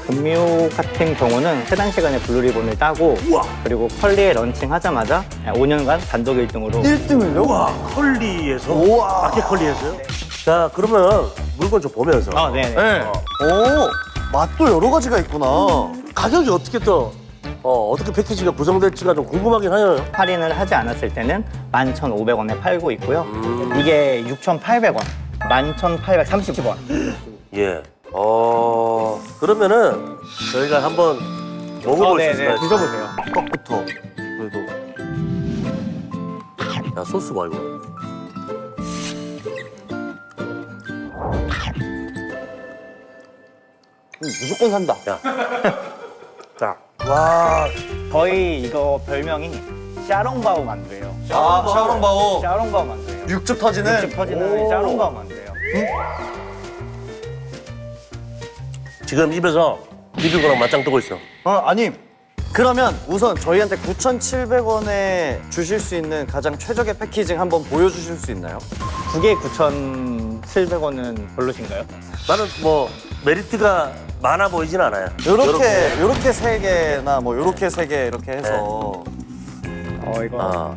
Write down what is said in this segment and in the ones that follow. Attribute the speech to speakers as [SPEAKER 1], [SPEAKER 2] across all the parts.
[SPEAKER 1] 금뮤 같은 경우는 해당 시간에 블루리본을 따고
[SPEAKER 2] 우와.
[SPEAKER 1] 그리고 컬리에 런칭하자마자 5년간 단독 1등으로
[SPEAKER 3] 1등을요?
[SPEAKER 2] 와, 컬리에서?
[SPEAKER 3] 우와.
[SPEAKER 2] 마켓 컬리에서요? 자, 그러면 물건 좀 보면서.
[SPEAKER 1] 네네.
[SPEAKER 3] 네. 오, 맛도 여러 가지가 있구나.
[SPEAKER 2] 가격이 어떻게 또, 어떻게 패키지가 구성될지가 좀 궁금하긴 해요.
[SPEAKER 1] 할인을 하지 않았을 때는 11,500원에 팔고 있고요. 이게 6,800원, 11,830원.
[SPEAKER 2] 예. 그러면은 저희가 한번 먹어볼 수 있을까요?
[SPEAKER 1] 드셔보세요.
[SPEAKER 3] 떡부터. 그래도.
[SPEAKER 2] 야, 소스 봐, 이거.
[SPEAKER 3] 무조건 산다.
[SPEAKER 2] 야. 자.
[SPEAKER 3] 와.
[SPEAKER 1] 저희 이거 별명이 샤롱바오 만두예요.
[SPEAKER 3] 샤오롱바오.
[SPEAKER 1] 샤롱바오 만두예요.
[SPEAKER 3] 육즙 터지는.
[SPEAKER 1] 육즙 터지는
[SPEAKER 3] 오.
[SPEAKER 1] 샤롱바오 만두예요.
[SPEAKER 2] 지금 입에서 비비고랑 맞짱 뜨고 있어.
[SPEAKER 3] 아니. 그러면 우선 저희한테 9,700원에 주실 수 있는 가장 최적의 패키징 한번 보여주실 수 있나요?
[SPEAKER 1] 두 개에 9,700원은 별로신가요?
[SPEAKER 2] 나는 뭐 메리트가 많아 보이진 않아요.
[SPEAKER 3] 요렇게 세 개나 뭐 요렇게 세 개 이렇게 해서.
[SPEAKER 1] 이거
[SPEAKER 2] 아,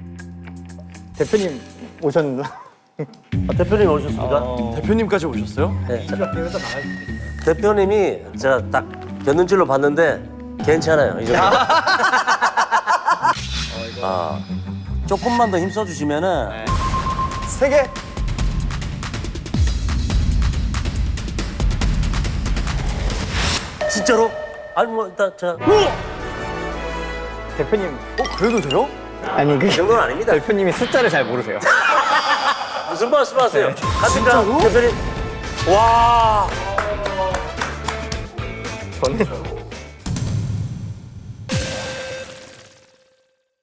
[SPEAKER 1] 대표님 오셨는데.
[SPEAKER 2] 대표님 오셨습니까?
[SPEAKER 3] 대표님까지 오셨어요?
[SPEAKER 2] 네. 대표님이 제가 딱 견눈질로 봤는데 괜찮아요. 이 정도. 조금만 더 힘써 주시면은
[SPEAKER 3] 세 개.
[SPEAKER 2] 진짜로? 아니 뭐 일단 자,
[SPEAKER 1] 대표님
[SPEAKER 3] 그래도 돼요?
[SPEAKER 1] 아니
[SPEAKER 2] 이
[SPEAKER 1] 그
[SPEAKER 2] 정도는 아닙니다.
[SPEAKER 1] 대표님이 숫자를 잘 모르세요.
[SPEAKER 2] 무슨 말씀하세요? 갑니까?
[SPEAKER 3] 진짜로?
[SPEAKER 2] 대표님. 와.
[SPEAKER 1] 저는